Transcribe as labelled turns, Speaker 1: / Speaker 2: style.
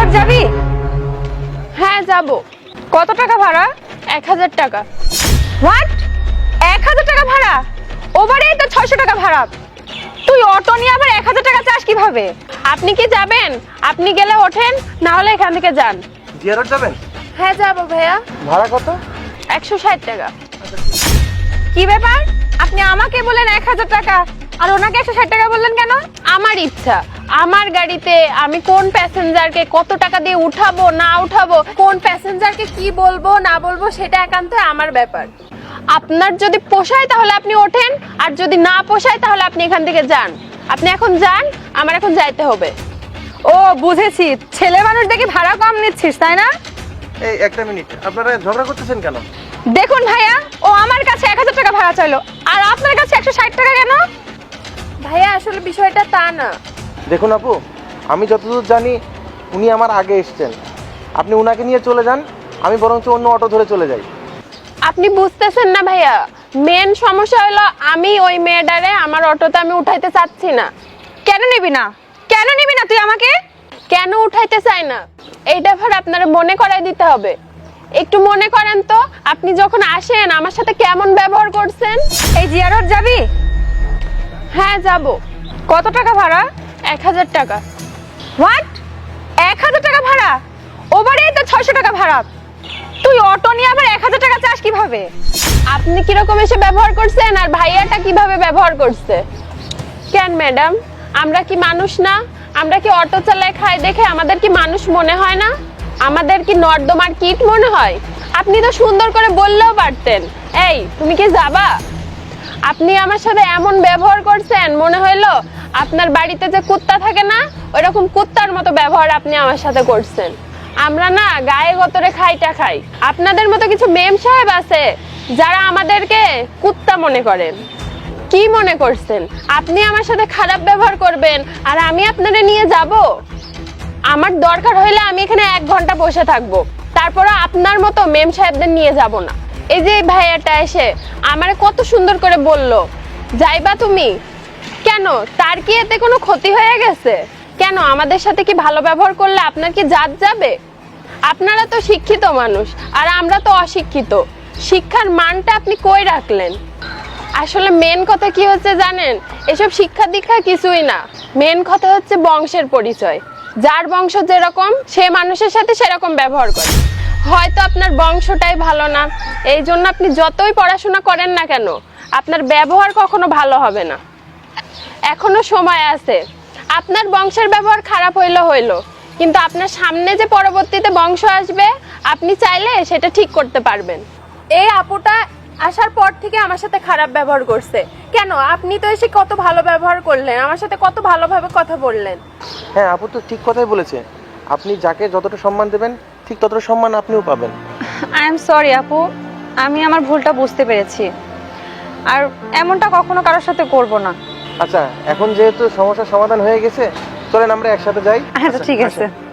Speaker 1: জিয়ারত যাবি?
Speaker 2: হ্যাঁ যাব।
Speaker 1: কত টাকা ভাড়া?
Speaker 2: 1000 টাকা।
Speaker 1: হোয়াট? 1000 টাকা ভাড়া? ওভারেই তো 600 টাকা ভাড়া। তুই অটো নিয়ে আবার 1000 টাকা চাস কিভাবে?
Speaker 2: আপনি কি যাবেন? আপনি গেলে ওঠেন, না হলে এখান থেকে যান।
Speaker 3: জিয়ারত যাবেন?
Speaker 2: হ্যাঁ যাব ভাইয়া।
Speaker 3: ভাড়া কত?
Speaker 2: 160 টাকা।
Speaker 1: কি ব্যাপার? আপনি আমাকে বলেন 1000 টাকা আর ওনাকে 160 টাকা বললেন কেন?
Speaker 2: আমার ইচ্ছা, আমার গাড়িতে আমি কোন প্যাসেঞ্জারকে কত টাকা দিয়ে উঠাবো না উঠাবো, কোন প্যাসেঞ্জারকে কি বলবো না বলবো, সেটা একান্ত আমার ব্যাপার। আপনার যদি পোষায় তাহলে আপনি ওঠেন, আর যদি না পোষায় তাহলে আপনি এখান থেকে যান। আপনি এখন যান, আমার এখন যাইতে হবে।
Speaker 1: ও বুঝেছি, ছেলে মানুষ দেখি ভাড়া কম নিচ্ছিস তাই না?
Speaker 3: এই একটা মিনিট, আপনারা ঝগড়া করতেছেন কেন?
Speaker 1: দেখুন ভাইয়া, ও আমার কাছে 1000 টাকা ভাড়া চাইলো আর আপনার কাছে 160 টাকা কেন?
Speaker 2: ভাইয়া আসলে বিষয়টা তা না।
Speaker 3: দেখুন আপু, আমি যতদূর জানি উনি আমার আগে এসেছেন। আপনি উনাকে নিয়ে চলে যান, আমি বরঞ্চ অন্য অটো ধরে চলে যাই।
Speaker 2: আপনি বুঝতেছেন না ভাইয়া, মেন সমস্যা হলো আমি ওই মেয়েটারে আমার অটোতে আমি উঠাইতে চাচ্ছি না।
Speaker 1: কেন নিবি না? কেন নিবি না তুই আমাকে?
Speaker 2: কেন উঠাইতে চাই না এইটা ভার আপনারা মনে করাই দিতে হবে। একটু মনে করেন তো, আপনি যখন আসেন আমার সাথে কেমন ব্যবহার করছেন।
Speaker 1: এই জিয়ারত যাবি?
Speaker 2: হ্যাঁ যাব।
Speaker 1: কত টাকা ভাড়া?
Speaker 2: 1000 টাকা।
Speaker 1: হোয়াট? 1000 টাকা ভাড়া? ওভারেই তো 600 টাকা ভাড়া। তুই অটো নিয়ে আবার 1000 টাকা চাস কিভাবে?
Speaker 2: আপনি কিরকম এসে ব্যবহার করছেন আর ভাইয়াটা কিভাবে ব্যবহার করছে? কেন ম্যাডাম, আমরা কি মানুষ না? আমরা কি অটো চালায় খাই দেখে আমাদের কি মানুষ মনে হয় না? আমাদের কি নর্দমার কীট মনে হয়? আপনি তো সুন্দর করে বললেও পারতেন, এই তুমি কি যাবা? আপনি আমার সাথে এমন ব্যবহার করছেন, মনে হইলো আপনার বাড়িতে যে কুত্তা থাকে না, ওইরকম কুত্তার মতো ব্যবহার আপনি আমার সাথে করছেন। আমরা না গায়ে গতরে খাইটা খাই। আপনাদের মতো কিছু মেম সাহেব আছে যারা আমাদেরকে কুত্তা মনে করেন। কি মনে করছেন আপনি আমার সাথে খারাপ ব্যবহার করবেন আর আমি আপনাদের নিয়ে যাব? আমার দরকার হইলে আমি এখানে 1 ঘন্টা বসে থাকবো, তারপরে আপনার মতো মেম সাহেবদের নিয়ে যাব না। এই যে ভাইয়াটা এসে আমারে কত সুন্দর করে বললো, যাইবা তুমি? কেন, তার কি এতে কোনো ক্ষতি হয়ে গেছে? কেন, আমাদের সাথে কি ভালো ব্যবহার করলে আপনার কি জাত যাবে? আপনারা তো শিক্ষিত মানুষ আর আমরা তো অশিক্ষিত। শিক্ষার মানটা আপনি কই রাখলেন? আসলে মেন কথা কি হচ্ছে জানেন, এসব শিক্ষা দীক্ষা কিছুই না। মেন কথা হচ্ছে বংশের পরিচয়। যার বংশ যেরকম সে মানুষের সাথে সেরকম ব্যবহার করে। হয়তো আপনার বংশটাই ভালো না, এই জন্য আপনি যতই পড়াশোনা করেন না কেন আপনার ব্যবহার কখনো ভালো হবে না। এখনো সময় আছে। আপনার বংশের ব্যবহার খারাপ হইলো, কিন্তু আপনার সামনে যে পরবর্তীতে বংশ আসবে আপনি চাইলে সেটা ঠিক করতে পারবেন। এই আপুটা আসার পর থেকে আমার সাথে খারাপ ব্যবহার করছে। কেন, আপনি তো এসে কত ভালো ব্যবহার করলেন, আমার সাথে কত ভালোভাবে কথা বললেন।
Speaker 3: হ্যাঁ, আপু তো ঠিক কথাই বলেছে। আপনি যাকে যতটা সম্মান দেবেন ঠিক ততটা সম্মান আপনিও পাবেন।
Speaker 1: আই এম সরি আপু, আমি আমার ভুলটা বুঝতে পেরেছি আর এমনটা কখনো কারোর সাথে করব না।
Speaker 3: আচ্ছা, এখন যেহেতু সমস্যার সমাধান হয়ে গেছে, চলেন আমরা একসাথে যাই।
Speaker 1: আচ্ছা ঠিক আছে।